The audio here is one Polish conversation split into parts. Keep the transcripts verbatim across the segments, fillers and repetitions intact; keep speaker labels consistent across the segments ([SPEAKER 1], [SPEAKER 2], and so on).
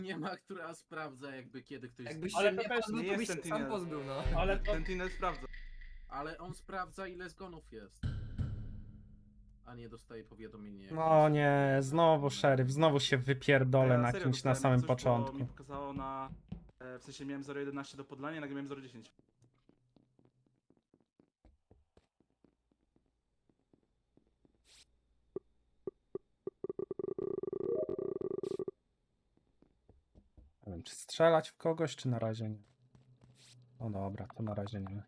[SPEAKER 1] nie ma, która sprawdza jakby kiedy ktoś...
[SPEAKER 2] Jakbyś
[SPEAKER 3] Ale
[SPEAKER 2] się
[SPEAKER 3] to
[SPEAKER 2] nie
[SPEAKER 3] też
[SPEAKER 2] pozbył,
[SPEAKER 4] nie
[SPEAKER 2] to byś
[SPEAKER 4] jest
[SPEAKER 2] się sam
[SPEAKER 4] Sentinel.
[SPEAKER 2] pozbył, no.
[SPEAKER 3] Ale to...
[SPEAKER 4] Sentinel sprawdza.
[SPEAKER 1] Ale on sprawdza ile zgonów jest. A nie dostaje powiadomienie. jak
[SPEAKER 5] No
[SPEAKER 1] jest-
[SPEAKER 5] nie, znowu szeryf, znowu się wypierdolę
[SPEAKER 4] Ja
[SPEAKER 5] na
[SPEAKER 4] serio
[SPEAKER 5] kimś na
[SPEAKER 4] dostałem
[SPEAKER 5] samym
[SPEAKER 4] coś, bo mi
[SPEAKER 5] początku.
[SPEAKER 4] pokazało na... e, W sensie miałem zero jedenaście do podlania, nagle miałem zero dziesięć.
[SPEAKER 5] Nie wiem, czy strzelać w kogoś, czy na razie nie. No dobra, to na razie nie.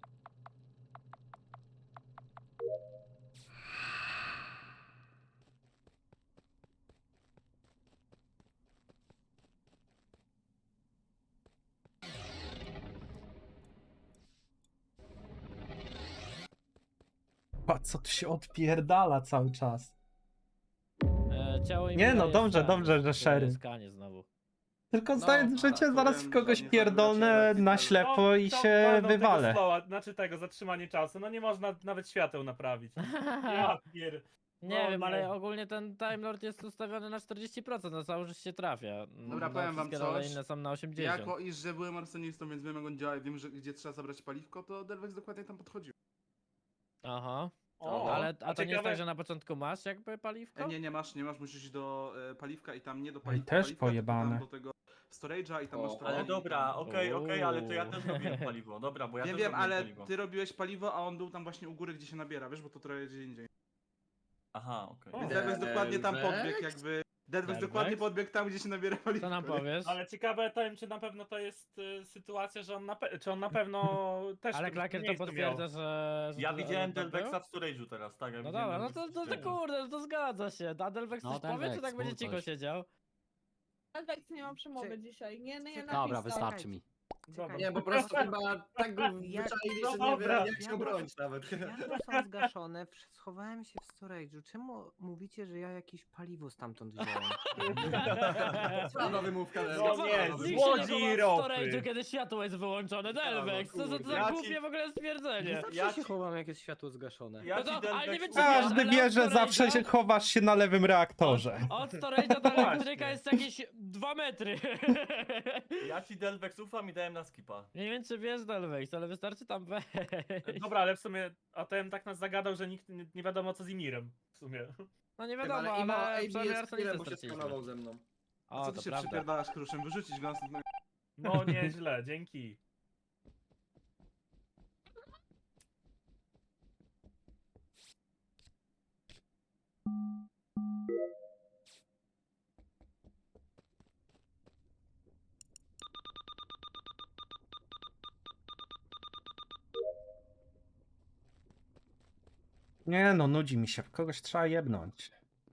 [SPEAKER 5] A co tu się odpierdala cały czas?
[SPEAKER 6] E, ciało
[SPEAKER 5] Nie, no
[SPEAKER 6] Emila
[SPEAKER 5] dobrze,
[SPEAKER 6] jest
[SPEAKER 5] dobrze,
[SPEAKER 6] skanie,
[SPEAKER 5] że
[SPEAKER 6] to
[SPEAKER 5] szeryf.
[SPEAKER 6] jest skanie znowu.
[SPEAKER 5] Tylko
[SPEAKER 1] No,
[SPEAKER 5] zdając
[SPEAKER 4] a,
[SPEAKER 5] życie, zaraz
[SPEAKER 4] powiem,
[SPEAKER 5] w kogoś
[SPEAKER 4] że nie
[SPEAKER 5] pierdolnę
[SPEAKER 4] zagracie
[SPEAKER 5] na
[SPEAKER 4] lekcji,
[SPEAKER 5] ślepo
[SPEAKER 3] To-
[SPEAKER 5] i
[SPEAKER 3] to
[SPEAKER 5] się
[SPEAKER 3] walną
[SPEAKER 5] wywalę.
[SPEAKER 3] Tego slowa, znaczy tego, zatrzymanie czasu. No nie można nawet świateł naprawić. Ja pier...
[SPEAKER 6] Nie
[SPEAKER 3] No
[SPEAKER 6] wiem,
[SPEAKER 3] nie.
[SPEAKER 6] ale ogólnie ten Time Lord jest ustawiony na czterdzieści procent, no cały życie się trafia.
[SPEAKER 4] Dobra,
[SPEAKER 6] no,
[SPEAKER 4] powiem wam
[SPEAKER 6] wszystkie role
[SPEAKER 4] coś.
[SPEAKER 6] inne są na osiemdziesiąt.
[SPEAKER 4] Jako iż, że byłem arsonistą, więc wiem jak on działa i wiem, że gdzie trzeba zabrać paliwko, to Delvex dokładnie tam podchodził.
[SPEAKER 6] Aha,
[SPEAKER 3] O,
[SPEAKER 6] ale a to nie jest
[SPEAKER 3] ciekawe-
[SPEAKER 6] tak, że na początku masz jakby paliwko?
[SPEAKER 4] E, nie, nie masz, nie masz, musisz iść do e, paliwka i tam nie do
[SPEAKER 5] Ej,
[SPEAKER 4] paliwka,
[SPEAKER 5] też
[SPEAKER 4] paliwka, tylko
[SPEAKER 5] pojebane.
[SPEAKER 4] tam do tego storage'a i tam
[SPEAKER 2] O,
[SPEAKER 4] masz to.
[SPEAKER 7] Ale dobra, okej, okej, ale to ja
[SPEAKER 6] Uuu.
[SPEAKER 7] też robiłem paliwo. Dobra, bo ja
[SPEAKER 4] Wiem,
[SPEAKER 7] też
[SPEAKER 4] wiem,
[SPEAKER 7] robiłem
[SPEAKER 4] ale
[SPEAKER 7] paliwo.
[SPEAKER 4] ty robiłeś paliwo, a on był tam właśnie u góry, gdzie się nabiera, wiesz, bo to trochę gdzie indziej.
[SPEAKER 7] Aha, okej.
[SPEAKER 3] O.
[SPEAKER 4] Więc Delvex dokładnie tam
[SPEAKER 1] Delvex?
[SPEAKER 4] podbiegł jakby... Delvex
[SPEAKER 6] Delvex?
[SPEAKER 4] dokładnie podbiegł tam, gdzie się nabiera paliwko.
[SPEAKER 6] Co nam
[SPEAKER 4] nie?
[SPEAKER 6] powiesz?
[SPEAKER 3] Ale ciekawe to wiem, czy na pewno to jest y, sytuacja, że on na, pe- czy on na pewno też
[SPEAKER 6] Ale
[SPEAKER 3] w tym
[SPEAKER 6] Klakier to
[SPEAKER 3] miejscu miał.
[SPEAKER 6] potwierdza, że... że
[SPEAKER 7] Ja
[SPEAKER 6] to-
[SPEAKER 7] widziałem
[SPEAKER 6] że to był?
[SPEAKER 7] Delvexa w storage'u teraz, tak? Ja
[SPEAKER 6] No
[SPEAKER 7] widziałem
[SPEAKER 6] dobra, no to,
[SPEAKER 7] Delvexa w
[SPEAKER 6] to, to
[SPEAKER 7] storage'u.
[SPEAKER 6] kurde, no to zgadza się. A Delvex
[SPEAKER 8] No,
[SPEAKER 6] coś powie, czy
[SPEAKER 8] Delvex,
[SPEAKER 6] tak będzie
[SPEAKER 8] mów
[SPEAKER 6] cicho
[SPEAKER 8] coś.
[SPEAKER 6] siedział?
[SPEAKER 9] Delvex nie ma przemowy dzisiaj. Nie, nie, nie.
[SPEAKER 8] Dobra, wystarczy mi.
[SPEAKER 3] Dobra.
[SPEAKER 2] Nie, po prostu chyba tak go wyczaili, że nie
[SPEAKER 3] Dobra.
[SPEAKER 2] wiem jak się bronić nawet.
[SPEAKER 10] Światła są zgaszone, wsz- schowałem się w storage'u. Czemu mówicie, że ja jakieś paliwo stamtąd wziąłem?
[SPEAKER 2] Słaba wymówka.
[SPEAKER 3] No
[SPEAKER 2] Delvex,
[SPEAKER 3] nie,
[SPEAKER 2] słaba
[SPEAKER 3] zło-
[SPEAKER 2] wymówka.
[SPEAKER 6] Nikt się
[SPEAKER 3] Złodzi
[SPEAKER 6] nie
[SPEAKER 3] i
[SPEAKER 6] chowa w
[SPEAKER 3] ropy.
[SPEAKER 6] storage'u, kiedy światło jest wyłączone. Delvex, co za to
[SPEAKER 7] Ja
[SPEAKER 6] za
[SPEAKER 7] ci-
[SPEAKER 6] głupie w ogóle
[SPEAKER 10] Nie
[SPEAKER 6] stwierdzenie.
[SPEAKER 10] zawsze
[SPEAKER 7] Ja
[SPEAKER 10] się
[SPEAKER 7] ci-
[SPEAKER 10] chowam, jak jest światło zgaszone.
[SPEAKER 7] Ja
[SPEAKER 6] No
[SPEAKER 7] ci
[SPEAKER 6] to- ale nie
[SPEAKER 7] Delvex
[SPEAKER 6] wiem, czy
[SPEAKER 7] ufam.
[SPEAKER 5] Każdy
[SPEAKER 6] ale
[SPEAKER 5] wie, że
[SPEAKER 6] od
[SPEAKER 5] zawsze
[SPEAKER 6] storage'a-
[SPEAKER 5] się chowasz się na lewym reaktorze.
[SPEAKER 6] Od storage'a do elektryka
[SPEAKER 3] Właśnie.
[SPEAKER 6] jest jakieś dwa metry.
[SPEAKER 7] Ja ci Delvex ufam i dałem na skipa.
[SPEAKER 6] Nie wiem, czy wiesz, Delvex, ale wystarczy tam wejść.
[SPEAKER 3] Dobra, ale w sumie A T M tak nas zagadał, że nikt nie, nie wiadomo co z Imirem. W sumie.
[SPEAKER 6] No nie
[SPEAKER 2] Wiem,
[SPEAKER 6] wiadomo,
[SPEAKER 2] ale Imo A
[SPEAKER 6] ale
[SPEAKER 2] B
[SPEAKER 6] przynajmniej
[SPEAKER 2] jest
[SPEAKER 6] arsonistę
[SPEAKER 2] chwilę, bo się
[SPEAKER 6] straciliśmy.
[SPEAKER 2] skanował ze mną.
[SPEAKER 4] A
[SPEAKER 6] O,
[SPEAKER 4] co
[SPEAKER 6] to
[SPEAKER 4] ty się
[SPEAKER 6] prawda.
[SPEAKER 4] przypierdalasz, kruszem? Wyrzucić go następnego...
[SPEAKER 3] No nieźle, dzięki.
[SPEAKER 5] Nie no, nudzi mi się, w kogoś trzeba jebnąć.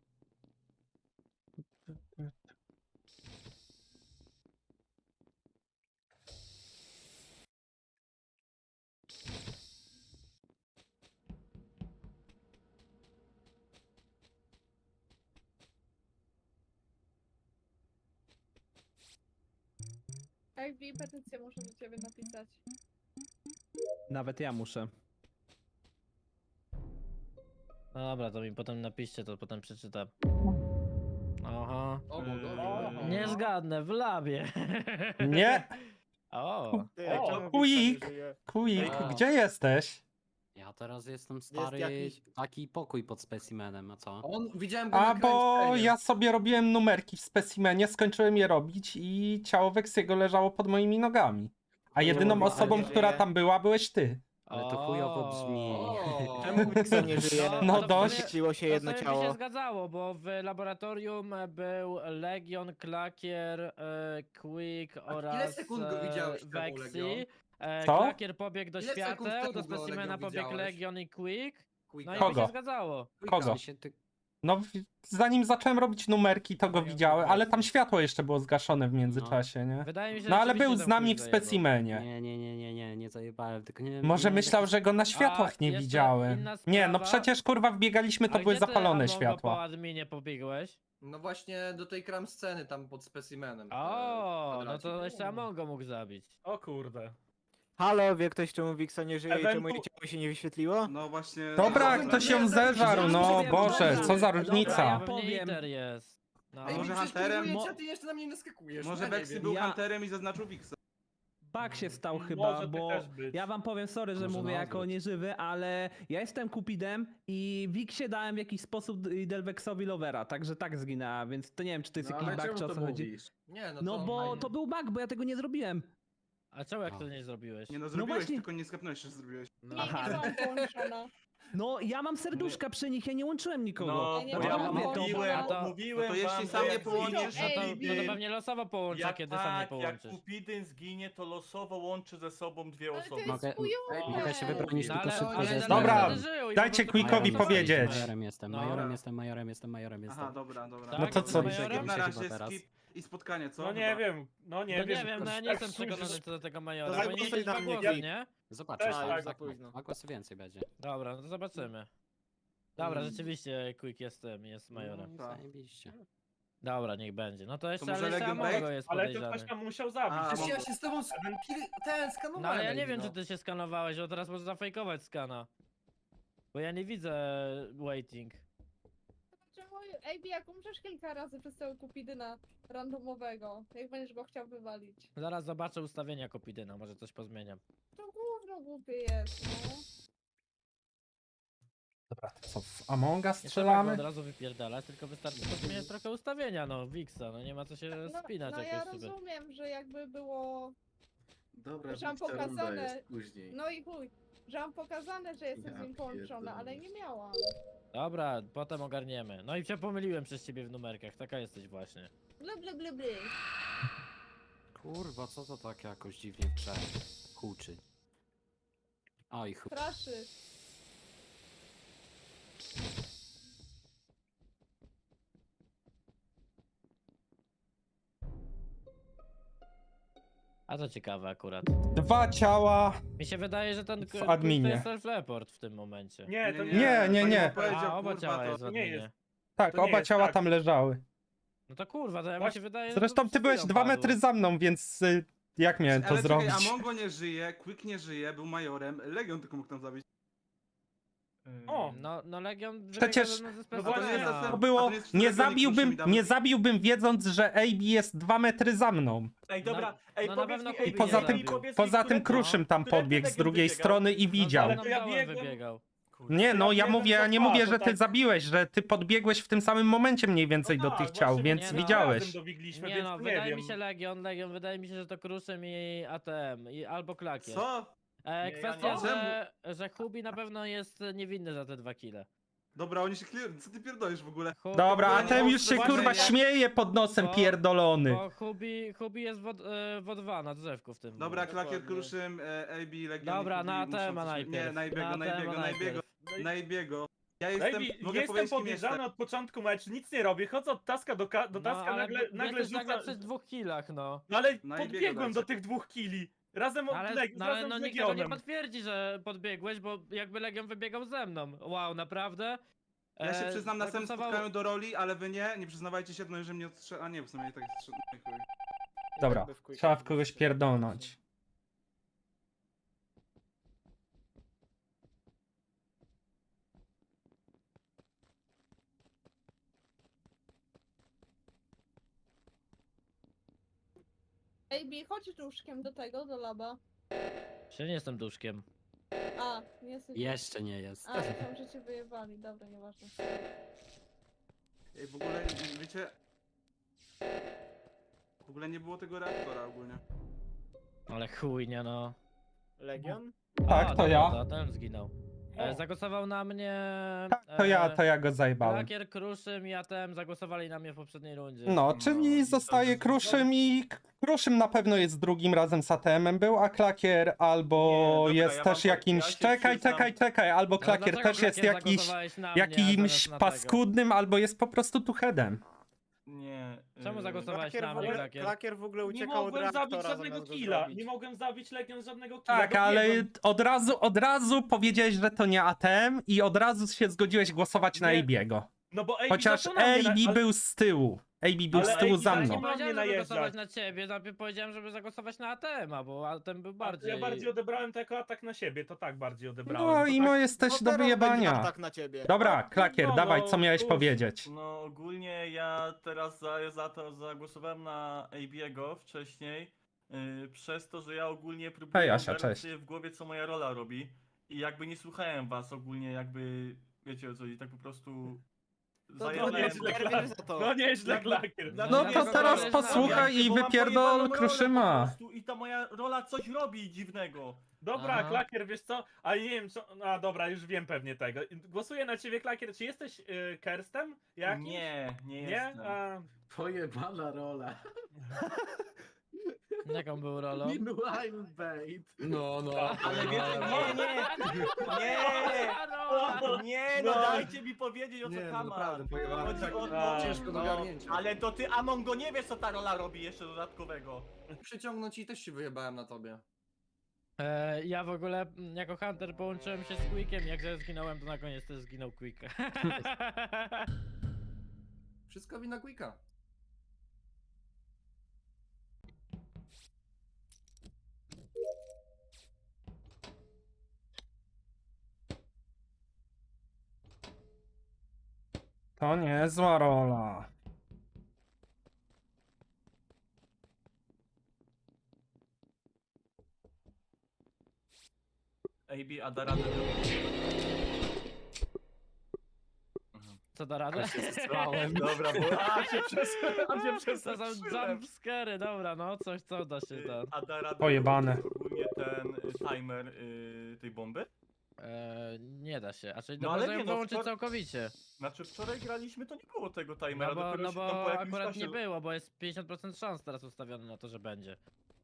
[SPEAKER 9] Ej, Wi, petycję muszę do ciebie napisać.
[SPEAKER 8] Nawet ja muszę.
[SPEAKER 6] No dobra, to mi potem napiszcie, to potem przeczytam. Aha.
[SPEAKER 2] O, bogowie.
[SPEAKER 3] O.
[SPEAKER 6] Nie zgadnę, w labie.
[SPEAKER 5] Nie,
[SPEAKER 6] O.
[SPEAKER 3] O,
[SPEAKER 5] Quick, Quick,
[SPEAKER 8] A.
[SPEAKER 5] gdzie jesteś?
[SPEAKER 8] Ja teraz jestem stary,
[SPEAKER 2] jakiś-
[SPEAKER 8] taki pokój pod specimenem, a co?
[SPEAKER 2] On, widziałem go
[SPEAKER 5] A
[SPEAKER 2] na
[SPEAKER 5] bo
[SPEAKER 2] crime scenie.
[SPEAKER 5] ja sobie robiłem numerki w specimenie, skończyłem je robić i ciało Weksiego leżało pod moimi nogami. A jedyną
[SPEAKER 10] Kurwa,
[SPEAKER 5] osobą,
[SPEAKER 10] ale
[SPEAKER 5] która
[SPEAKER 10] żyje.
[SPEAKER 5] tam była, byłeś ty.
[SPEAKER 8] Ale to chujowo brzmi.
[SPEAKER 2] O.
[SPEAKER 10] Czemu Wixon nie żyje?
[SPEAKER 5] No
[SPEAKER 6] to w
[SPEAKER 5] dość.
[SPEAKER 6] sumie-
[SPEAKER 10] Świeciło się
[SPEAKER 6] To
[SPEAKER 10] jedno
[SPEAKER 6] sobie by
[SPEAKER 10] ciało.
[SPEAKER 6] się zgadzało, bo w laboratorium był Legion, Klakier, e, Quick oraz
[SPEAKER 2] sekund go
[SPEAKER 6] e,
[SPEAKER 2] widziałeś temu,
[SPEAKER 6] Vexi.
[SPEAKER 2] Legion?
[SPEAKER 6] E,
[SPEAKER 5] Co?
[SPEAKER 6] Klakier pobiegł do
[SPEAKER 2] Ile sekund
[SPEAKER 6] świateł,
[SPEAKER 2] temu
[SPEAKER 6] do
[SPEAKER 2] go,
[SPEAKER 6] specimena
[SPEAKER 2] Legion,
[SPEAKER 6] pobiegł
[SPEAKER 2] widziałeś?
[SPEAKER 6] Legion i Quick.
[SPEAKER 2] Quick.
[SPEAKER 6] No i by
[SPEAKER 5] Kogo?
[SPEAKER 6] się zgadzało.
[SPEAKER 5] Kogo?
[SPEAKER 8] W sensie ty...
[SPEAKER 5] No, w- zanim zacząłem robić numerki, to go
[SPEAKER 6] Ja
[SPEAKER 5] widziałem, ale tam
[SPEAKER 6] widzę.
[SPEAKER 5] światło jeszcze było zgaszone w międzyczasie, nie?
[SPEAKER 6] Wydaje mi się,
[SPEAKER 5] No
[SPEAKER 6] że
[SPEAKER 5] ale był
[SPEAKER 6] rzeczywiście
[SPEAKER 5] z
[SPEAKER 6] ten
[SPEAKER 5] nami
[SPEAKER 6] Quick
[SPEAKER 5] w
[SPEAKER 6] zajebał.
[SPEAKER 5] specimenie.
[SPEAKER 8] Nie, nie, nie, nie, nie, nie zajebałem, tylko nie
[SPEAKER 5] Może
[SPEAKER 8] nie,
[SPEAKER 5] myślał,
[SPEAKER 8] tak-
[SPEAKER 5] że go na światłach nie
[SPEAKER 6] jeszcze
[SPEAKER 5] widziałem.
[SPEAKER 6] inna
[SPEAKER 5] Nie, no
[SPEAKER 6] sprawa.
[SPEAKER 5] przecież kurwa wbiegaliśmy, to
[SPEAKER 6] A
[SPEAKER 5] były
[SPEAKER 6] gdzie ty,
[SPEAKER 5] zapalone
[SPEAKER 6] Amongo, po
[SPEAKER 5] światła.
[SPEAKER 6] adminie pobiegłeś?
[SPEAKER 2] No właśnie do tej kram sceny tam pod specimenem.
[SPEAKER 6] O,
[SPEAKER 2] e,
[SPEAKER 6] no
[SPEAKER 2] kwadracik.
[SPEAKER 6] to jeszcze Amongo mógł zabić.
[SPEAKER 3] O kurde.
[SPEAKER 10] Halo, wie ktoś, czemu Wixon nie żyje i czemu jej
[SPEAKER 3] Ewentu-
[SPEAKER 10] ciało się nie wyświetliło?
[SPEAKER 4] No właśnie...
[SPEAKER 5] Dobra,
[SPEAKER 2] No,
[SPEAKER 5] ktoś
[SPEAKER 2] nie,
[SPEAKER 5] ją
[SPEAKER 2] zaraz
[SPEAKER 5] zeżarł,
[SPEAKER 2] się
[SPEAKER 5] no
[SPEAKER 2] zastanawiam,
[SPEAKER 5] Boże,
[SPEAKER 2] dobra.
[SPEAKER 5] co za
[SPEAKER 6] Dobra,
[SPEAKER 5] różnica.
[SPEAKER 6] pewnie Iter jest. No.
[SPEAKER 2] Ej,
[SPEAKER 4] może
[SPEAKER 2] mi
[SPEAKER 4] Hunterem?
[SPEAKER 2] przeszkadzujecie,
[SPEAKER 11] Mo-
[SPEAKER 2] a ty jeszcze na mnie naskakujesz.
[SPEAKER 4] Może
[SPEAKER 2] ja nie
[SPEAKER 4] Bexy
[SPEAKER 2] wiem.
[SPEAKER 4] był
[SPEAKER 11] Ja-
[SPEAKER 4] Hunterem i zaznaczył Wixa.
[SPEAKER 11] Bug się stał
[SPEAKER 3] Może
[SPEAKER 11] chyba,
[SPEAKER 3] ty
[SPEAKER 11] bo
[SPEAKER 3] też być.
[SPEAKER 11] ja wam powiem, sorry, że
[SPEAKER 8] Może
[SPEAKER 11] mówię
[SPEAKER 8] na
[SPEAKER 11] jako
[SPEAKER 8] odwrót.
[SPEAKER 11] nieżywy, ale ja jestem Cupidem i Wiksie dałem w jakiś sposób i Delvexowi Lovera, także tak zginęła, więc to nie wiem, czy to jest
[SPEAKER 1] No
[SPEAKER 11] jakiś
[SPEAKER 1] ale
[SPEAKER 11] bug,
[SPEAKER 1] czemu
[SPEAKER 11] czy o
[SPEAKER 1] to
[SPEAKER 11] co chodzi.
[SPEAKER 1] mówisz?
[SPEAKER 2] Nie, no,
[SPEAKER 11] No
[SPEAKER 2] to
[SPEAKER 11] bo
[SPEAKER 2] fajnie.
[SPEAKER 11] to był bug, bo ja tego nie zrobiłem.
[SPEAKER 6] A czemu jak
[SPEAKER 8] O.
[SPEAKER 6] to nie zrobiłeś?
[SPEAKER 4] Nie no, zrobiłeś,
[SPEAKER 11] właśnie-
[SPEAKER 4] tylko nie skapnąłeś, że zrobiłeś.
[SPEAKER 1] No.
[SPEAKER 9] Nie,
[SPEAKER 11] Aha.
[SPEAKER 9] nie byłam połączona.
[SPEAKER 11] No ja mam serduszka przy nich, ja nie łączyłem nikogo.
[SPEAKER 7] No,
[SPEAKER 9] Ja nie
[SPEAKER 7] bo
[SPEAKER 11] Dlatego
[SPEAKER 7] ja
[SPEAKER 9] byłam
[SPEAKER 11] mówię, to-
[SPEAKER 7] mówiłem,
[SPEAKER 6] A to-
[SPEAKER 7] mówiłem
[SPEAKER 4] no to jeśli
[SPEAKER 7] wam,
[SPEAKER 4] sam
[SPEAKER 7] że
[SPEAKER 4] nie
[SPEAKER 7] jak
[SPEAKER 4] połączysz,
[SPEAKER 7] zginie
[SPEAKER 6] No to, no to
[SPEAKER 7] Kupidyn-
[SPEAKER 6] pewnie losowo połączę,
[SPEAKER 7] jak
[SPEAKER 6] kiedy sam nie
[SPEAKER 7] tak, jak
[SPEAKER 6] połączysz.
[SPEAKER 7] Kupidyn zginie, to losowo łączy ze sobą dwie
[SPEAKER 9] Ale to
[SPEAKER 7] osoby.
[SPEAKER 9] jest
[SPEAKER 8] Mogę-
[SPEAKER 9] chujowe.
[SPEAKER 8] Mogę się wybronić
[SPEAKER 6] No
[SPEAKER 8] tylko
[SPEAKER 6] ale,
[SPEAKER 8] szybko,
[SPEAKER 6] ale
[SPEAKER 8] że
[SPEAKER 6] ale
[SPEAKER 8] jestem
[SPEAKER 5] Dobra,
[SPEAKER 6] wtedy żył i
[SPEAKER 5] dajcie
[SPEAKER 6] po prostu
[SPEAKER 5] Quickowi
[SPEAKER 6] nie
[SPEAKER 5] powiedzieć.
[SPEAKER 6] głosowaliśmy.
[SPEAKER 8] Majorem jestem,
[SPEAKER 6] No.
[SPEAKER 8] majorem
[SPEAKER 4] Dobra.
[SPEAKER 8] jestem, majorem jestem, majorem jestem.
[SPEAKER 4] Aha, dobra, dobra.
[SPEAKER 6] Tak?
[SPEAKER 5] No to co?
[SPEAKER 6] Majorem?
[SPEAKER 4] Skip na
[SPEAKER 8] Się
[SPEAKER 4] razie,
[SPEAKER 8] chyba teraz.
[SPEAKER 4] skip i spotkanie, co?
[SPEAKER 3] No nie
[SPEAKER 4] Chyba.
[SPEAKER 3] wiem, no nie
[SPEAKER 6] No
[SPEAKER 3] wiem.
[SPEAKER 6] nie wiem, no ja nie
[SPEAKER 3] tak
[SPEAKER 6] jestem przekonany
[SPEAKER 3] słyszysz.
[SPEAKER 6] co do tego Majora,
[SPEAKER 11] To
[SPEAKER 6] bo nie
[SPEAKER 11] zagłosuj
[SPEAKER 6] jest
[SPEAKER 11] na
[SPEAKER 6] dwa
[SPEAKER 11] mnie,
[SPEAKER 6] głosy,
[SPEAKER 11] Quick.
[SPEAKER 6] nie?
[SPEAKER 8] Zobaczysz,
[SPEAKER 3] Też
[SPEAKER 8] tak,
[SPEAKER 3] tak.
[SPEAKER 8] tak, dwa głosy więcej będzie.
[SPEAKER 6] Dobra, no to zobaczymy. Dobra,
[SPEAKER 4] Mm.
[SPEAKER 6] rzeczywiście Quick jest tym, jest Majorem.
[SPEAKER 8] No,
[SPEAKER 4] Tak.
[SPEAKER 8] zajebiście.
[SPEAKER 6] Dobra, niech będzie. No to jeszcze,
[SPEAKER 4] może
[SPEAKER 6] ale jeszcze
[SPEAKER 4] Legion
[SPEAKER 6] Amongo
[SPEAKER 4] Bait?
[SPEAKER 6] jest
[SPEAKER 3] Ale to ktoś
[SPEAKER 6] podejrzany.
[SPEAKER 3] tam musiał zabić.
[SPEAKER 4] A,
[SPEAKER 2] Przecież ja
[SPEAKER 4] Amongo.
[SPEAKER 2] się z tobą sk- ten skanowałem.
[SPEAKER 6] No ale ja nie wiem,
[SPEAKER 2] no.
[SPEAKER 6] czy ty się skanowałeś, bo teraz możesz zafejkować skana. Bo ja nie widzę waiting.
[SPEAKER 9] Czemu, ej, jak umrzesz kilka razy przez tego Kupidyna randomowego, jak będziesz go chciał wywalić.
[SPEAKER 6] Zaraz zobaczę ustawienia Kopidyna, może coś pozmieniam.
[SPEAKER 9] To gówno głupie jest, no.
[SPEAKER 5] Dobra, to co, w Amonga
[SPEAKER 6] Nie trzeba go
[SPEAKER 5] strzelamy?
[SPEAKER 6] od razu wypierdalać, tylko wystarczy pozmieniać trochę ustawienia, no, Wixa, no nie ma co się
[SPEAKER 9] No,
[SPEAKER 6] spinać
[SPEAKER 9] no ja
[SPEAKER 6] jakoś sobie.
[SPEAKER 9] rozumiem, że jakby było,
[SPEAKER 1] Dobra,
[SPEAKER 9] że mam
[SPEAKER 1] Wiksa runda
[SPEAKER 9] pokazane.
[SPEAKER 1] jest później.
[SPEAKER 9] No i chuj, że mam pokazane, że jestem
[SPEAKER 1] Ja
[SPEAKER 9] z nim połączona, ale
[SPEAKER 1] pierdolę.
[SPEAKER 9] nie miałam.
[SPEAKER 6] Dobra, potem ogarniemy. No i się pomyliłem przez ciebie w numerkach, taka jesteś właśnie.
[SPEAKER 9] Bly, bly, bly, bly.
[SPEAKER 8] Kurwa, co to tak jakoś dziwnie prze... huczy. Oj, chuj.
[SPEAKER 9] Straszy.
[SPEAKER 6] A to ciekawe akurat.
[SPEAKER 5] Dwa ciała.
[SPEAKER 6] Mi się wydaje, że ten
[SPEAKER 5] W
[SPEAKER 6] Quick
[SPEAKER 5] adminie.
[SPEAKER 6] to jest self-report w tym momencie.
[SPEAKER 3] Nie, to nie.
[SPEAKER 5] Nie, nie, nie.
[SPEAKER 4] Pani powiedział,
[SPEAKER 6] A, oba
[SPEAKER 4] kurwa,
[SPEAKER 6] ciała
[SPEAKER 4] to-
[SPEAKER 6] jest w
[SPEAKER 3] to nie
[SPEAKER 6] adminie.
[SPEAKER 3] jest.
[SPEAKER 5] Tak,
[SPEAKER 3] To nie
[SPEAKER 5] oba
[SPEAKER 3] jest
[SPEAKER 5] ciała
[SPEAKER 3] tak.
[SPEAKER 5] tam leżały.
[SPEAKER 6] No to kurwa, to ja mi
[SPEAKER 3] Właśnie-
[SPEAKER 6] się wydaje, że
[SPEAKER 5] Zresztą
[SPEAKER 6] to
[SPEAKER 5] ty
[SPEAKER 6] przed
[SPEAKER 5] byłeś
[SPEAKER 6] chwilą
[SPEAKER 5] dwa
[SPEAKER 6] padło.
[SPEAKER 5] metry za mną, więc y, jak miałem to
[SPEAKER 4] Ale
[SPEAKER 5] zrobić?
[SPEAKER 4] czekaj, Amongo nie żyje, Quick nie żyje, był majorem, Legion tylko mógł tam zabić.
[SPEAKER 3] O,
[SPEAKER 6] No, no Legion
[SPEAKER 5] Przecież-
[SPEAKER 6] wybiega ze- ze
[SPEAKER 3] No
[SPEAKER 4] A to nie jest
[SPEAKER 3] właśnie,
[SPEAKER 6] specjalna.
[SPEAKER 4] zastęp-
[SPEAKER 5] To
[SPEAKER 4] a
[SPEAKER 5] było,
[SPEAKER 4] to nie jest
[SPEAKER 5] nie
[SPEAKER 4] Legion,
[SPEAKER 5] zabiłbym,
[SPEAKER 4] którzy mi
[SPEAKER 5] nie
[SPEAKER 4] dawali-
[SPEAKER 5] zabiłbym wiedząc, że A B jest dwa metry za mną.
[SPEAKER 7] Ej, dobra,
[SPEAKER 6] No-
[SPEAKER 7] ej,
[SPEAKER 6] no na
[SPEAKER 7] powiedz
[SPEAKER 6] pewno
[SPEAKER 7] mi,
[SPEAKER 6] Kubi
[SPEAKER 7] ej,
[SPEAKER 6] nie
[SPEAKER 5] Poza
[SPEAKER 6] zabił.
[SPEAKER 5] tym,
[SPEAKER 7] ej, powiedz mi,
[SPEAKER 5] poza tym
[SPEAKER 7] którędy-
[SPEAKER 5] Kruszym tam
[SPEAKER 7] którędy
[SPEAKER 5] podbiegł z
[SPEAKER 7] Legion
[SPEAKER 5] drugiej
[SPEAKER 7] wybiegał?
[SPEAKER 5] strony i widział.
[SPEAKER 6] No,
[SPEAKER 3] to ja
[SPEAKER 6] ja
[SPEAKER 3] biegłem-
[SPEAKER 6] wybiegał.
[SPEAKER 7] Kurwa.
[SPEAKER 5] Nie, no
[SPEAKER 3] Ja
[SPEAKER 5] ja
[SPEAKER 3] biegłem
[SPEAKER 5] mówię, ja nie
[SPEAKER 3] za
[SPEAKER 5] mówię,
[SPEAKER 3] dwa,
[SPEAKER 5] że
[SPEAKER 3] to
[SPEAKER 5] ty
[SPEAKER 3] tak-
[SPEAKER 5] zabiłeś, że ty podbiegłeś w tym samym momencie mniej więcej
[SPEAKER 3] no
[SPEAKER 5] do
[SPEAKER 3] tak,
[SPEAKER 5] tych ciał,
[SPEAKER 3] właśnie,
[SPEAKER 5] więc
[SPEAKER 6] nie, no,
[SPEAKER 5] widziałeś.
[SPEAKER 3] razem dobiegliśmy,
[SPEAKER 6] Nie
[SPEAKER 3] więc
[SPEAKER 6] no,
[SPEAKER 3] nie
[SPEAKER 6] wydaje
[SPEAKER 3] wiem.
[SPEAKER 6] mi się Legion, Legion, wydaje mi się, że to Kruszym i A T M, i albo Klakier.
[SPEAKER 4] Co?
[SPEAKER 6] E,
[SPEAKER 7] Nie, ja
[SPEAKER 6] kwestia,
[SPEAKER 7] nie.
[SPEAKER 6] że, że Hubi na pewno jest niewinny za te dwa kile.
[SPEAKER 4] Dobra, oni się clear... Co ty pierdolisz w ogóle?
[SPEAKER 6] Hubi,
[SPEAKER 5] Dobra, a
[SPEAKER 4] nie
[SPEAKER 5] ten
[SPEAKER 4] było
[SPEAKER 5] już się
[SPEAKER 4] właśnie,
[SPEAKER 5] kurwa
[SPEAKER 4] nie?
[SPEAKER 5] śmieje pod nosem
[SPEAKER 6] Bo-
[SPEAKER 5] pierdolony.
[SPEAKER 6] Bo Hubi, Hubi jest w, e, w O dwa na drzewku w tym.
[SPEAKER 4] Dobra,
[SPEAKER 6] momencie.
[SPEAKER 4] Klakier, Kruszym, e, A B, Legion
[SPEAKER 6] Dobra,
[SPEAKER 4] i
[SPEAKER 6] na
[SPEAKER 4] Hubi muszą
[SPEAKER 6] A T M
[SPEAKER 4] coś-
[SPEAKER 6] najpierw.
[SPEAKER 4] Nie, na Ibiego,
[SPEAKER 6] Na
[SPEAKER 4] na
[SPEAKER 6] A T M
[SPEAKER 4] Ibiego, na
[SPEAKER 6] najpierw.
[SPEAKER 4] Ibiego, na Ibiego. Ja
[SPEAKER 3] Ej,
[SPEAKER 4] jestem,
[SPEAKER 3] Wi-
[SPEAKER 4] mogę
[SPEAKER 3] jestem
[SPEAKER 4] powiedzieć kim
[SPEAKER 3] podejrzany
[SPEAKER 4] jestem.
[SPEAKER 3] od początku meczu, nic nie robię, chodzę od taska do, ka- do
[SPEAKER 6] No,
[SPEAKER 3] taska,
[SPEAKER 6] ale
[SPEAKER 3] nagle, nagle
[SPEAKER 6] jesteś nagle
[SPEAKER 3] rzucam...
[SPEAKER 6] przy dwóch killach, no.
[SPEAKER 3] No ale
[SPEAKER 4] Na Ibiego
[SPEAKER 3] podbiegłem do
[SPEAKER 4] dajcie.
[SPEAKER 3] tych dwóch killi. Razem od
[SPEAKER 6] Ale,
[SPEAKER 3] Leg-
[SPEAKER 6] no, ale
[SPEAKER 3] razem
[SPEAKER 6] no
[SPEAKER 3] z
[SPEAKER 6] nikt tego nie
[SPEAKER 3] Legionem.
[SPEAKER 6] potwierdzi, że podbiegłeś, bo jakby Legion wybiegał ze mną. Wow, naprawdę?
[SPEAKER 4] Ja się
[SPEAKER 6] E,
[SPEAKER 4] przyznam na samym
[SPEAKER 6] zagłosował-
[SPEAKER 4] spotkaniu do roli, ale wy nie, nie przyznawajcie się, no że mnie odstrze... A nie, w sumie tak strze... no i chuj.
[SPEAKER 5] Dobra, trzeba w kogoś pierdolnąć.
[SPEAKER 9] Ej, Bi, chodź duszkiem do tego, do laba.
[SPEAKER 6] Się nie jestem duszkiem.
[SPEAKER 9] A, nie jesteś...
[SPEAKER 8] Jeszcze nie jest.
[SPEAKER 9] A, myślałam, że cię wyjebali, dobra, nieważne.
[SPEAKER 4] Ej, w ogóle, wiecie... W ogóle nie było tego reaktora ogólnie.
[SPEAKER 6] Ale chuj, nie no.
[SPEAKER 11] Legion?
[SPEAKER 5] Tak,
[SPEAKER 6] A,
[SPEAKER 5] to
[SPEAKER 6] dobra,
[SPEAKER 5] ja.
[SPEAKER 6] To ten zginął. E,
[SPEAKER 3] O.
[SPEAKER 6] zagłosował na mnie...
[SPEAKER 5] Tak, to ja,
[SPEAKER 6] e,
[SPEAKER 5] to ja go zajebałem.
[SPEAKER 6] Klakier, Kruszym i A T M zagłosowali na mnie w poprzedniej rundzie.
[SPEAKER 5] No, czyli
[SPEAKER 4] No,
[SPEAKER 5] zostaje
[SPEAKER 4] to-
[SPEAKER 5] Kruszym i Kruszym na pewno jest drugim razem z A T M-em był, a Klakier albo
[SPEAKER 7] Nie, dobra,
[SPEAKER 5] jest
[SPEAKER 7] ja
[SPEAKER 5] też
[SPEAKER 7] wam powiem,
[SPEAKER 5] jakimś...
[SPEAKER 7] ja się
[SPEAKER 5] czekaj,
[SPEAKER 7] przyznam-
[SPEAKER 5] czekaj, czekaj, albo
[SPEAKER 6] Ale
[SPEAKER 5] Klakier
[SPEAKER 6] dlaczego
[SPEAKER 5] też jest
[SPEAKER 6] Klakier
[SPEAKER 5] jakiś...
[SPEAKER 6] zagłosowałeś na mnie,
[SPEAKER 5] jakimś
[SPEAKER 6] zamiast na tego?
[SPEAKER 5] paskudnym, albo jest po prostu tuchedem.
[SPEAKER 7] Nie.
[SPEAKER 6] Czemu
[SPEAKER 7] y,
[SPEAKER 6] zagłosowałeś na mnie, Klakier?
[SPEAKER 11] Klakier w ogóle
[SPEAKER 3] Nie
[SPEAKER 11] uciekał od
[SPEAKER 3] mogłem zabić
[SPEAKER 11] reaktora
[SPEAKER 3] żadnego
[SPEAKER 11] zamiast go
[SPEAKER 3] killa,
[SPEAKER 11] zrobić.
[SPEAKER 3] nie mogłem zabić Legion z żadnego killa.
[SPEAKER 5] Tak, ale
[SPEAKER 3] dobiegłem.
[SPEAKER 5] od razu, od razu powiedziałeś, że to nie A T M i od razu się zgodziłeś głosować na
[SPEAKER 3] Nie.
[SPEAKER 5] A B go.
[SPEAKER 3] No bo A B
[SPEAKER 5] Chociaż
[SPEAKER 3] zaczął na mnie,
[SPEAKER 5] A B
[SPEAKER 3] ale-
[SPEAKER 5] był z tyłu. A B był
[SPEAKER 3] Ale
[SPEAKER 5] z tyłu
[SPEAKER 3] A B
[SPEAKER 5] za
[SPEAKER 3] tak
[SPEAKER 6] Ja
[SPEAKER 3] nie
[SPEAKER 6] nie
[SPEAKER 5] mną.
[SPEAKER 3] ma-
[SPEAKER 6] powiedziałem,
[SPEAKER 3] mnie
[SPEAKER 6] żeby głosować
[SPEAKER 3] najeżdżać.
[SPEAKER 6] na ciebie, najpierw powiedziałem, żeby zagłosować na A T M-a, bo A T M był
[SPEAKER 3] A
[SPEAKER 6] bardziej...
[SPEAKER 3] Ja bardziej odebrałem to jako atak na siebie, to tak bardziej odebrałem.
[SPEAKER 5] No
[SPEAKER 3] to
[SPEAKER 5] i
[SPEAKER 3] tak...
[SPEAKER 5] mo jesteś do wyjebania.
[SPEAKER 8] tak na ciebie.
[SPEAKER 5] Dobra,
[SPEAKER 3] No,
[SPEAKER 5] Klakier,
[SPEAKER 3] no,
[SPEAKER 5] dawaj,
[SPEAKER 3] no,
[SPEAKER 5] co miałeś
[SPEAKER 3] cóż.
[SPEAKER 5] powiedzieć?
[SPEAKER 7] No ogólnie ja teraz za, za to zagłosowałem na A B'ego wcześniej, yy, przez to, że ja ogólnie próbuję
[SPEAKER 5] Hej, Asia,
[SPEAKER 7] ogarnąć
[SPEAKER 5] cześć.
[SPEAKER 7] sobie w głowie, co moja rola robi i jakby nie słuchałem was ogólnie, jakby, wiecie o co chodzi, tak po prostu zajadałem.
[SPEAKER 3] nieźle, No nieźle, Klakier.
[SPEAKER 5] No
[SPEAKER 6] Ja
[SPEAKER 5] to
[SPEAKER 6] tego
[SPEAKER 5] teraz
[SPEAKER 6] nie znam.
[SPEAKER 5] posłuchaj i
[SPEAKER 7] Bo mam
[SPEAKER 5] wypierdol
[SPEAKER 7] pojebaną rolę po
[SPEAKER 5] Kruszyma.
[SPEAKER 7] prostu I ta moja rola coś robi dziwnego.
[SPEAKER 3] Dobra,
[SPEAKER 6] Aha.
[SPEAKER 3] Klakier, wiesz co? Ale nie wiem co... A dobra, już wiem pewnie tego. Głosuję na ciebie, Klakier. Czy jesteś y, Kerstem? Jakimś?
[SPEAKER 7] Nie, nie
[SPEAKER 3] Nie?
[SPEAKER 7] jestem.
[SPEAKER 3] A...
[SPEAKER 1] Pojebana rola.
[SPEAKER 6] Jaką był rolą?
[SPEAKER 1] Meanwhile bait.
[SPEAKER 2] No, no.
[SPEAKER 7] Ale wiecie, nie, nie, nie, nie, no
[SPEAKER 3] No.
[SPEAKER 7] dajcie mi powiedzieć o co
[SPEAKER 2] Nie, no
[SPEAKER 7] kaman.
[SPEAKER 2] naprawdę, pojebane.
[SPEAKER 7] Chodzi
[SPEAKER 2] Tak,
[SPEAKER 7] o
[SPEAKER 3] A,
[SPEAKER 7] to,
[SPEAKER 2] ciężko do
[SPEAKER 7] no,
[SPEAKER 2] ogarnięcia.
[SPEAKER 7] ale to ty, Amongo, nie wiesz co ta rola robi jeszcze dodatkowego.
[SPEAKER 2] Przyciągnąć i też się wyjebałem na tobie.
[SPEAKER 6] E, ja w ogóle mm, jako Hunter połączyłem się z Quickiem, jak ja zginąłem, to na koniec też zginął Quick.
[SPEAKER 2] Wszystko wina Quicka.
[SPEAKER 5] To niezła rola.
[SPEAKER 7] A B, a da radę.
[SPEAKER 6] Co da radę?
[SPEAKER 7] Dobra, bo a się przez, a się
[SPEAKER 6] To są
[SPEAKER 7] przestraszyłem.
[SPEAKER 6] jumpscary, dobra, no coś co da się ten.
[SPEAKER 7] A da radę
[SPEAKER 5] Pojebane.
[SPEAKER 7] ogólnie ten y, timer y, tej bomby?
[SPEAKER 6] E, nie da się, a czyli
[SPEAKER 7] No
[SPEAKER 6] no,
[SPEAKER 7] ale
[SPEAKER 6] można
[SPEAKER 7] nie,
[SPEAKER 6] ją
[SPEAKER 7] no,
[SPEAKER 6] wyłączyć
[SPEAKER 7] wczor-
[SPEAKER 6] całkowicie.
[SPEAKER 7] Znaczy wczoraj graliśmy, to nie było tego
[SPEAKER 6] No
[SPEAKER 7] timera,
[SPEAKER 6] bo,
[SPEAKER 7] dopiero
[SPEAKER 6] no
[SPEAKER 7] się tam
[SPEAKER 6] bo
[SPEAKER 7] po jakimś
[SPEAKER 6] akurat
[SPEAKER 7] czasie...
[SPEAKER 6] nie było, bo jest pięćdziesiąt procent szans teraz ustawione na to, że będzie.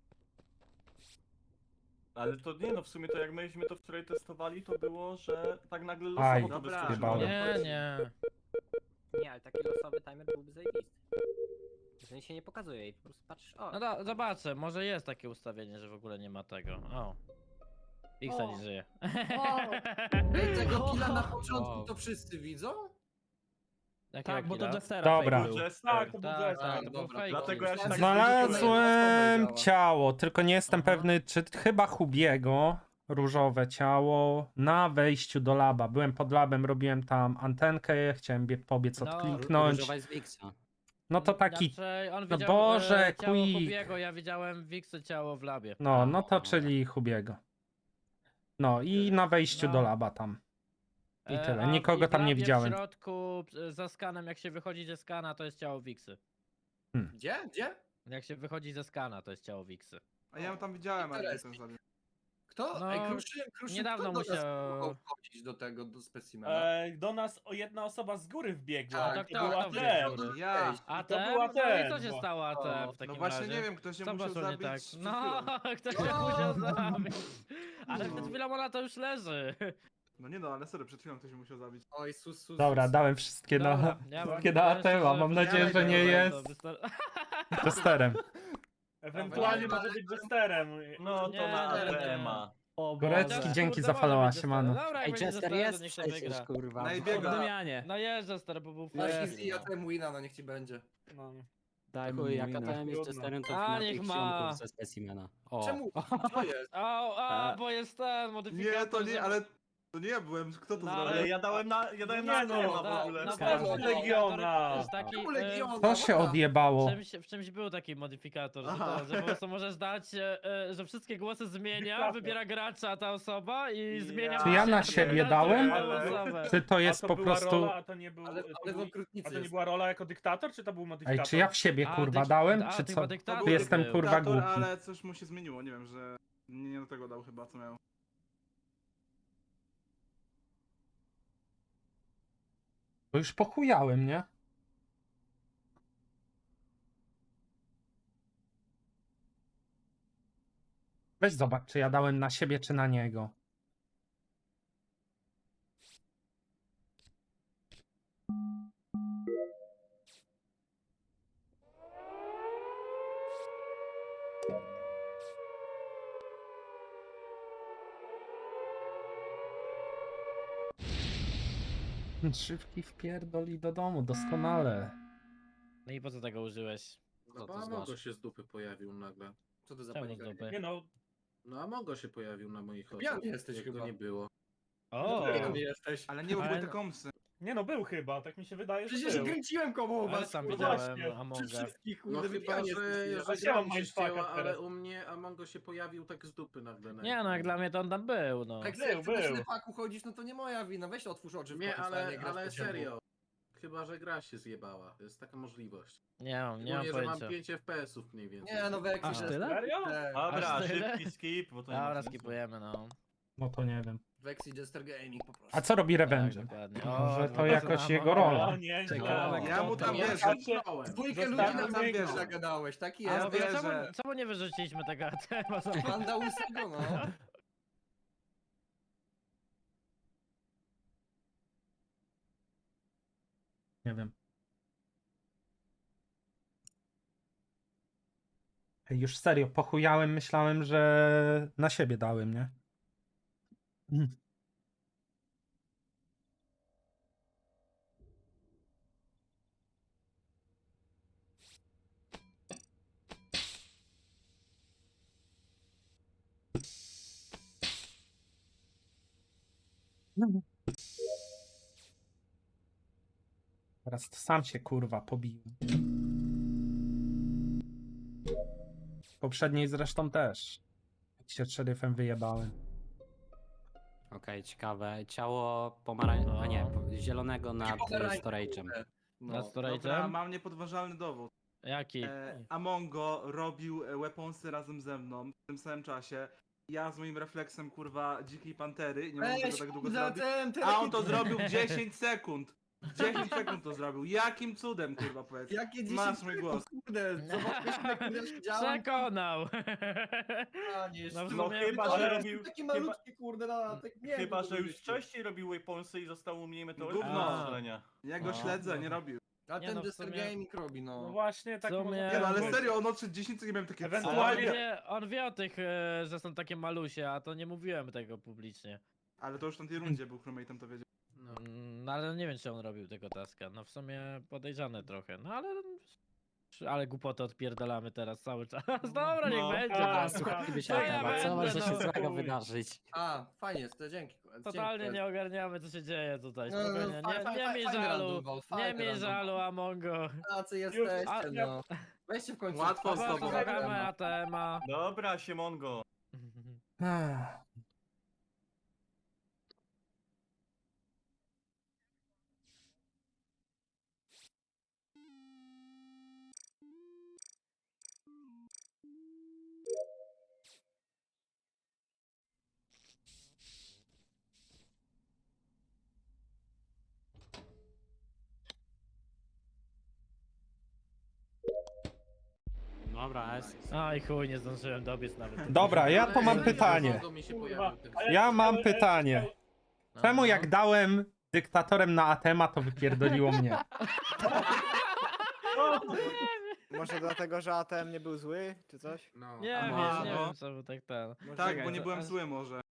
[SPEAKER 7] Ale to nie no, w sumie to jak myśmy to wczoraj testowali, to było, że tak nagle
[SPEAKER 5] Aj,
[SPEAKER 7] losowo to
[SPEAKER 10] dobra.
[SPEAKER 7] wyskoczyło.
[SPEAKER 5] Jebałem.
[SPEAKER 6] Nie, nie.
[SPEAKER 10] Nie, ale taki losowy timer byłby zajebisty. Że on się nie pokazuje i po prostu patrzysz, o.
[SPEAKER 6] No da, zobaczę, może jest takie ustawienie, że w ogóle nie ma tego. O. Xa
[SPEAKER 9] O.
[SPEAKER 6] nie żyje.
[SPEAKER 9] Wow.
[SPEAKER 2] Ej, tego killa na
[SPEAKER 6] Wow.
[SPEAKER 2] początku to wszyscy widzą?
[SPEAKER 6] Jakiego
[SPEAKER 11] Tak, bo to
[SPEAKER 6] killa?
[SPEAKER 11] Jestera
[SPEAKER 5] Dobra.
[SPEAKER 11] fake był.
[SPEAKER 7] Jester.
[SPEAKER 3] Tak, to był
[SPEAKER 6] Tak,
[SPEAKER 3] Jester.
[SPEAKER 6] tak, to był
[SPEAKER 2] dobra.
[SPEAKER 6] fake.
[SPEAKER 7] Dlatego ja się tak
[SPEAKER 5] Znalazłem
[SPEAKER 2] działa.
[SPEAKER 5] ciało, tylko nie jestem
[SPEAKER 6] Aha.
[SPEAKER 5] pewny, czy chyba Hubiego, różowe ciało, na wejściu do laba. Byłem pod labem, robiłem tam antenkę, chciałem bie- pobiec
[SPEAKER 6] No,
[SPEAKER 5] odkliknąć.
[SPEAKER 8] Różowa jest Wixa.
[SPEAKER 5] No to taki,
[SPEAKER 6] Znaczy, on
[SPEAKER 5] no
[SPEAKER 6] widział,
[SPEAKER 5] Boże,
[SPEAKER 6] e, ciało
[SPEAKER 5] Quick.
[SPEAKER 6] Hubiego, ja widziałem Wixy ciało w labie.
[SPEAKER 5] no, no to czyli Hubiego. No i na wejściu
[SPEAKER 6] No.
[SPEAKER 5] do laba tam. I
[SPEAKER 6] E,
[SPEAKER 5] tyle,
[SPEAKER 6] a w-
[SPEAKER 5] nikogo
[SPEAKER 6] i w
[SPEAKER 5] tam nie
[SPEAKER 6] labie
[SPEAKER 5] widziałem.
[SPEAKER 6] W środku, e, za skanem, jak się wychodzi ze skana, to jest ciało Wixy.
[SPEAKER 2] Gdzie? Gdzie?
[SPEAKER 6] Jak się wychodzi ze skana, to jest ciało Wixy.
[SPEAKER 4] A ja ją tam widziałem, ale nie
[SPEAKER 2] Interesting.
[SPEAKER 4] to zabił.
[SPEAKER 2] Kto?
[SPEAKER 6] No,
[SPEAKER 2] Ej, Kruszyn, Kruszyn,
[SPEAKER 6] niedawno
[SPEAKER 2] kto do nas
[SPEAKER 6] musiał-
[SPEAKER 2] próbował wchodzić do tego, do specimena?
[SPEAKER 3] E, do nas o jedna osoba z góry wbiegła.
[SPEAKER 2] Tak,
[SPEAKER 3] to
[SPEAKER 6] tak,
[SPEAKER 3] była
[SPEAKER 6] tak,
[SPEAKER 3] ten.
[SPEAKER 6] tak.
[SPEAKER 4] Ja.
[SPEAKER 6] A
[SPEAKER 3] to
[SPEAKER 6] ten?
[SPEAKER 3] była
[SPEAKER 6] No i
[SPEAKER 3] ten,
[SPEAKER 6] co się
[SPEAKER 3] bo-
[SPEAKER 6] stało A T M w takim
[SPEAKER 4] No właśnie
[SPEAKER 6] razie?
[SPEAKER 4] nie wiem, ktoś się
[SPEAKER 6] Co
[SPEAKER 4] musiał
[SPEAKER 6] poszło nie
[SPEAKER 4] zabić.
[SPEAKER 6] tak?
[SPEAKER 4] przed
[SPEAKER 6] No,
[SPEAKER 4] chwilą.
[SPEAKER 6] ktoś się
[SPEAKER 2] O!
[SPEAKER 6] musiał zabić. Ale
[SPEAKER 4] No.
[SPEAKER 6] przed chwilą ona to już leży.
[SPEAKER 4] No nie no, ale serio, przed chwilą ktoś się musiał zabić.
[SPEAKER 2] Oj, sus, sus,
[SPEAKER 5] Dobra,
[SPEAKER 2] sus.
[SPEAKER 5] dałem wszystkie na,
[SPEAKER 6] Dobra, ja mam-
[SPEAKER 5] wszystkie na
[SPEAKER 6] ja
[SPEAKER 5] A T M, a
[SPEAKER 6] szczerze
[SPEAKER 5] mam nadzieję, że nie
[SPEAKER 6] powiedziałem,
[SPEAKER 5] jest
[SPEAKER 6] to wystar-
[SPEAKER 5] testerem.
[SPEAKER 3] Ewentualnie
[SPEAKER 2] Dobra,
[SPEAKER 3] może być Jesterem.
[SPEAKER 7] No to
[SPEAKER 6] Nie,
[SPEAKER 7] na
[SPEAKER 6] nie, nie.
[SPEAKER 7] Ema.
[SPEAKER 11] O
[SPEAKER 5] Gorecki,
[SPEAKER 11] Boże.
[SPEAKER 5] dzięki
[SPEAKER 6] Kurde,
[SPEAKER 5] za
[SPEAKER 6] może
[SPEAKER 5] follow'a,
[SPEAKER 6] być Jester.
[SPEAKER 5] siemano.
[SPEAKER 6] Dobra, jak
[SPEAKER 8] Ej,
[SPEAKER 6] będzie
[SPEAKER 8] Jester
[SPEAKER 6] Jester,
[SPEAKER 8] jest
[SPEAKER 6] to niech się
[SPEAKER 8] przecież,
[SPEAKER 6] wygra.
[SPEAKER 8] kurwa.
[SPEAKER 4] No i
[SPEAKER 11] O
[SPEAKER 4] biega.
[SPEAKER 11] Damianie.
[SPEAKER 6] No jest Jester, bo był
[SPEAKER 2] No
[SPEAKER 6] fair.
[SPEAKER 2] easy, ja ten wina, no niech ci będzie.
[SPEAKER 3] No.
[SPEAKER 11] Daj
[SPEAKER 8] Chuj,
[SPEAKER 11] mi
[SPEAKER 8] jak
[SPEAKER 11] minę.
[SPEAKER 8] A T M jest
[SPEAKER 3] Trudno.
[SPEAKER 8] testerem, to
[SPEAKER 6] A,
[SPEAKER 8] na
[SPEAKER 6] niech
[SPEAKER 8] tych
[SPEAKER 6] ma.
[SPEAKER 8] sionków ze specimena. O.
[SPEAKER 2] Czemu? Co jest?
[SPEAKER 6] O, a,
[SPEAKER 11] E.
[SPEAKER 6] bo jest ten modyfikator.
[SPEAKER 4] Nie, to nie,
[SPEAKER 6] że-
[SPEAKER 4] ale to nie ja byłem, kto to
[SPEAKER 6] No,
[SPEAKER 4] zrobił?
[SPEAKER 7] Ale ja dałem na, ja dałem
[SPEAKER 3] Nie
[SPEAKER 7] na
[SPEAKER 3] no,
[SPEAKER 7] Ema w
[SPEAKER 6] na-
[SPEAKER 7] ogóle.
[SPEAKER 6] na
[SPEAKER 11] Skarb
[SPEAKER 6] pewno
[SPEAKER 3] Legiona.
[SPEAKER 6] To jest taki,
[SPEAKER 2] Czemu
[SPEAKER 6] e,
[SPEAKER 2] Legiona?
[SPEAKER 5] To się odjebało.
[SPEAKER 6] W czymś, w czymś był taki modyfikator, że,
[SPEAKER 4] Aha.
[SPEAKER 6] to, że po prostu możesz dać, e, e, że wszystkie głosy zmienia,
[SPEAKER 3] Dyktator.
[SPEAKER 6] wybiera gracza ta osoba i
[SPEAKER 7] Ja-
[SPEAKER 6] zmienia...
[SPEAKER 5] Czy ja na
[SPEAKER 6] wszystkie
[SPEAKER 5] siebie
[SPEAKER 6] każdą
[SPEAKER 5] dałem?
[SPEAKER 6] osobę.
[SPEAKER 5] Czy to
[SPEAKER 3] A
[SPEAKER 5] jest
[SPEAKER 3] to
[SPEAKER 5] po
[SPEAKER 3] była
[SPEAKER 5] prostu...
[SPEAKER 3] Rola, a to nie był.
[SPEAKER 2] Ale,
[SPEAKER 3] to
[SPEAKER 2] ale w
[SPEAKER 3] był-
[SPEAKER 2] okrutnicy
[SPEAKER 3] a to nie
[SPEAKER 2] jest.
[SPEAKER 3] była rola jako dyktator, czy to był
[SPEAKER 5] Ej,
[SPEAKER 3] modyfikator?
[SPEAKER 5] czy ja w siebie
[SPEAKER 6] A,
[SPEAKER 5] kurwa
[SPEAKER 6] dyk-
[SPEAKER 5] dałem,
[SPEAKER 6] a,
[SPEAKER 5] czy
[SPEAKER 6] ty
[SPEAKER 5] co?
[SPEAKER 6] chyba dyktator
[SPEAKER 5] Czy jestem
[SPEAKER 6] był.
[SPEAKER 5] kurwa
[SPEAKER 4] Dyktator,
[SPEAKER 5] głupi?
[SPEAKER 4] ale coś mu się zmieniło, nie wiem, że nie, nie do tego dał chyba, co miał.
[SPEAKER 5] Bo już pochujałem, nie? Weź zobacz, czy ja dałem na siebie, czy na niego. Szybki wpierdoli do domu, doskonale.
[SPEAKER 6] No i po co tego użyłeś?
[SPEAKER 1] No
[SPEAKER 8] Co
[SPEAKER 1] bo
[SPEAKER 8] to
[SPEAKER 1] Amongo
[SPEAKER 8] znaczy?
[SPEAKER 1] się z dupy pojawił nagle.
[SPEAKER 2] Co to za
[SPEAKER 6] Czemu
[SPEAKER 2] panika?
[SPEAKER 6] z dupy?
[SPEAKER 3] Nie no,
[SPEAKER 1] No Amongo się pojawił na moich oczach.
[SPEAKER 2] Pijany jesteś
[SPEAKER 1] jak go
[SPEAKER 2] chyba.
[SPEAKER 1] nie było.
[SPEAKER 6] O!
[SPEAKER 2] Pijany jesteś.
[SPEAKER 4] Ale nie
[SPEAKER 6] Ale-
[SPEAKER 4] były te komsy.
[SPEAKER 3] nie no, był chyba, tak mi się wydaje, że
[SPEAKER 2] Przecież
[SPEAKER 3] był.
[SPEAKER 2] kręciłem koło
[SPEAKER 6] Ale
[SPEAKER 2] was.
[SPEAKER 6] sam
[SPEAKER 3] no
[SPEAKER 6] widziałem
[SPEAKER 3] właśnie,
[SPEAKER 2] Przy
[SPEAKER 6] Amonga.
[SPEAKER 2] wszystkich,
[SPEAKER 1] No
[SPEAKER 2] kurde, wy
[SPEAKER 1] chyba,
[SPEAKER 2] pijani
[SPEAKER 1] że,
[SPEAKER 2] jesteście.
[SPEAKER 1] że
[SPEAKER 3] Ja
[SPEAKER 1] gra
[SPEAKER 3] mam
[SPEAKER 1] mi się
[SPEAKER 3] mindfucka
[SPEAKER 1] ścięła, ale
[SPEAKER 3] teraz.
[SPEAKER 1] u mnie Amongo się pojawił tak z dupy nagle. na
[SPEAKER 6] Nie no, jak
[SPEAKER 1] ekranie.
[SPEAKER 6] dla mnie to on tam był, no.
[SPEAKER 2] Jak
[SPEAKER 3] Był,
[SPEAKER 2] ty na
[SPEAKER 3] był.
[SPEAKER 2] ślepaku chodzisz, no to nie moja wina. Weź otwórz oczy w
[SPEAKER 1] Nie,
[SPEAKER 2] końcu, a
[SPEAKER 1] ale,
[SPEAKER 2] grasz
[SPEAKER 1] ale
[SPEAKER 2] po ciemku.
[SPEAKER 1] serio. Chyba, że gra się zjebała. Jest taka możliwość.
[SPEAKER 6] Nie mam, nie mam
[SPEAKER 1] Szczególnie, że mam
[SPEAKER 6] pojęcia.
[SPEAKER 1] pięć F P S-ów mniej więcej.
[SPEAKER 2] Nie, no Weksy,
[SPEAKER 11] Aż
[SPEAKER 2] że-
[SPEAKER 11] tyle?
[SPEAKER 3] Serio?
[SPEAKER 2] te-
[SPEAKER 7] Dobra,
[SPEAKER 6] Aż tyle?
[SPEAKER 7] szybki skip, bo to nie ma
[SPEAKER 6] Dobra,
[SPEAKER 7] sensu.
[SPEAKER 6] skipujemy, no.
[SPEAKER 5] No to nie wiem.
[SPEAKER 2] Weksy Jester Gaming po prostu.
[SPEAKER 5] A co robi
[SPEAKER 6] Tak,
[SPEAKER 5] Revenge?
[SPEAKER 6] dokładnie.
[SPEAKER 5] Może
[SPEAKER 6] O,
[SPEAKER 5] to
[SPEAKER 6] dwa
[SPEAKER 5] jakoś
[SPEAKER 6] razy na
[SPEAKER 5] jego
[SPEAKER 6] Amonga.
[SPEAKER 5] rola.
[SPEAKER 3] O, nie,
[SPEAKER 11] Ciekawe,
[SPEAKER 4] Ja mu tam
[SPEAKER 1] Ja
[SPEAKER 4] wierzę.
[SPEAKER 1] się wziąłem.
[SPEAKER 2] Dwójkę ludzi
[SPEAKER 3] Zostawmy
[SPEAKER 2] na tam
[SPEAKER 3] jego.
[SPEAKER 2] wiesz, zagadałeś, taki
[SPEAKER 11] A
[SPEAKER 2] jest.
[SPEAKER 11] no
[SPEAKER 2] wiesz,
[SPEAKER 11] wiesz,
[SPEAKER 6] Czemu,
[SPEAKER 11] że-
[SPEAKER 6] czemu nie wyrzuciliśmy tego atema?
[SPEAKER 2] Panda łysego, no.
[SPEAKER 5] Nie wiem. Ej, już serio, pochujałem, myślałem, że na siebie dałem, nie? Mm. Teraz to sam się kurwa pobiłem. Poprzedniej zresztą też. Jak się szeryfem wyjebałem.
[SPEAKER 8] Okej, ciekawe. Ciało pomarań... a nie,
[SPEAKER 6] No.
[SPEAKER 8] po- zielonego nad e,
[SPEAKER 2] Pomarańczowe.
[SPEAKER 8] storage'em.
[SPEAKER 6] Na
[SPEAKER 2] No.
[SPEAKER 4] Dobra,
[SPEAKER 6] storage'em?
[SPEAKER 4] mam niepodważalny dowód.
[SPEAKER 6] Jaki?
[SPEAKER 4] E, Amongo robił e, weaponsy razem ze mną w tym samym czasie. Ja z moim refleksem, kurwa, dzikiej pantery, nie mogłem tego
[SPEAKER 2] Weź,
[SPEAKER 4] tak długo
[SPEAKER 2] kurde,
[SPEAKER 4] zrobić.
[SPEAKER 2] ten, ten,
[SPEAKER 4] A on to zrobił w dziesięć sekund. W dziesięć sekund to zrobił. Jakim cudem, kurwa, powiedz.
[SPEAKER 2] Jakie
[SPEAKER 4] Masz
[SPEAKER 2] dziesięć
[SPEAKER 4] mój głos.
[SPEAKER 2] Kurde, zobaczmy, jak kurde siedziałem.
[SPEAKER 6] Przekonał!
[SPEAKER 2] A, nie,
[SPEAKER 6] No w
[SPEAKER 2] no,
[SPEAKER 7] No
[SPEAKER 6] sumie-
[SPEAKER 7] chyba,
[SPEAKER 2] ale
[SPEAKER 7] że
[SPEAKER 2] jest
[SPEAKER 7] robił...
[SPEAKER 2] taki
[SPEAKER 7] Chyba,
[SPEAKER 2] malutki, kurde, na tak nie wiem,
[SPEAKER 7] chyba,
[SPEAKER 2] co
[SPEAKER 7] że już
[SPEAKER 2] powiedzieć.
[SPEAKER 7] wcześniej robił weaponsy i zostało mniej meteorytów
[SPEAKER 4] Gówno.
[SPEAKER 7] do strzelenia.
[SPEAKER 4] Ja go
[SPEAKER 6] No,
[SPEAKER 4] śledzę, nie
[SPEAKER 6] no.
[SPEAKER 4] robił.
[SPEAKER 2] A
[SPEAKER 6] Nie
[SPEAKER 2] ten
[SPEAKER 6] no, w
[SPEAKER 2] Jester
[SPEAKER 6] sumie-
[SPEAKER 2] Gaming robi,
[SPEAKER 3] No
[SPEAKER 2] no.
[SPEAKER 3] właśnie, tak
[SPEAKER 6] W sumie-
[SPEAKER 3] można
[SPEAKER 4] Nie no, ale
[SPEAKER 3] powiedzieć.
[SPEAKER 4] serio, on odszedł dziesięć sekund, miałem takie...
[SPEAKER 6] On
[SPEAKER 3] Ewentualnie-
[SPEAKER 6] wie, on wie o tych, e, że są takie malusie, a to nie mówiłem tego publicznie.
[SPEAKER 4] Ale to już na tej rundzie był crewmate'em, to wiedział.
[SPEAKER 1] No.
[SPEAKER 6] Mm, No ale nie wiem, czy on robił tego taska. No w sumie podejrzane trochę, no ale... Ale głupotę odpierdalamy teraz cały czas. Dobra, niech
[SPEAKER 7] No,
[SPEAKER 6] będzie.
[SPEAKER 3] tak,
[SPEAKER 6] no.
[SPEAKER 8] Słuchajmy się
[SPEAKER 6] No ja
[SPEAKER 8] temat, co
[SPEAKER 6] będę,
[SPEAKER 8] może się
[SPEAKER 6] no.
[SPEAKER 8] złego
[SPEAKER 3] Chuj.
[SPEAKER 8] wydarzyć?
[SPEAKER 2] A, fajnie jest, to dzięki.
[SPEAKER 6] Totalnie
[SPEAKER 2] dzięki.
[SPEAKER 6] nie ogarniamy, co się dzieje tutaj.
[SPEAKER 2] No, no,
[SPEAKER 6] Spokojnie.
[SPEAKER 2] faj-
[SPEAKER 6] Nie,
[SPEAKER 2] faj-
[SPEAKER 6] nie
[SPEAKER 2] faj-
[SPEAKER 6] miej
[SPEAKER 2] fajny
[SPEAKER 6] żalu.
[SPEAKER 2] random ball,
[SPEAKER 6] Nie
[SPEAKER 2] fajny
[SPEAKER 6] miej
[SPEAKER 2] random
[SPEAKER 6] żalu, Amongo.
[SPEAKER 2] Tacy
[SPEAKER 6] Już-
[SPEAKER 2] jesteście,
[SPEAKER 6] a, ja-
[SPEAKER 2] no. Weźcie w końcu.
[SPEAKER 4] Łatwo z
[SPEAKER 6] Po prostu
[SPEAKER 4] tobą.
[SPEAKER 6] zagramy atema.
[SPEAKER 7] Dobra, Siemongo.
[SPEAKER 5] Ech.
[SPEAKER 8] Dobra, S.
[SPEAKER 6] Aj chuj, nie zdążyłem dobiec nawet.
[SPEAKER 5] Dobra, ja
[SPEAKER 1] Ale
[SPEAKER 5] to mam
[SPEAKER 1] serio,
[SPEAKER 5] pytanie.
[SPEAKER 1] Amongo mi się
[SPEAKER 3] Kurwa.
[SPEAKER 1] pojawił tak
[SPEAKER 3] A
[SPEAKER 5] Ja mam
[SPEAKER 3] ale-
[SPEAKER 5] pytanie.
[SPEAKER 1] No,
[SPEAKER 5] Czemu
[SPEAKER 1] no.
[SPEAKER 5] jak dałem dyktatorem na Atema, to wypierdoliło mnie?
[SPEAKER 12] Może dlatego, że A T M nie był zły, czy coś?
[SPEAKER 1] No.
[SPEAKER 6] Nie
[SPEAKER 4] A
[SPEAKER 6] wiem,
[SPEAKER 4] może,
[SPEAKER 6] nie
[SPEAKER 4] no.
[SPEAKER 6] wiem, co był tak ten.
[SPEAKER 4] Tak,
[SPEAKER 6] Czekaj,
[SPEAKER 4] bo nie
[SPEAKER 6] to-
[SPEAKER 4] byłem
[SPEAKER 6] a-
[SPEAKER 4] zły może.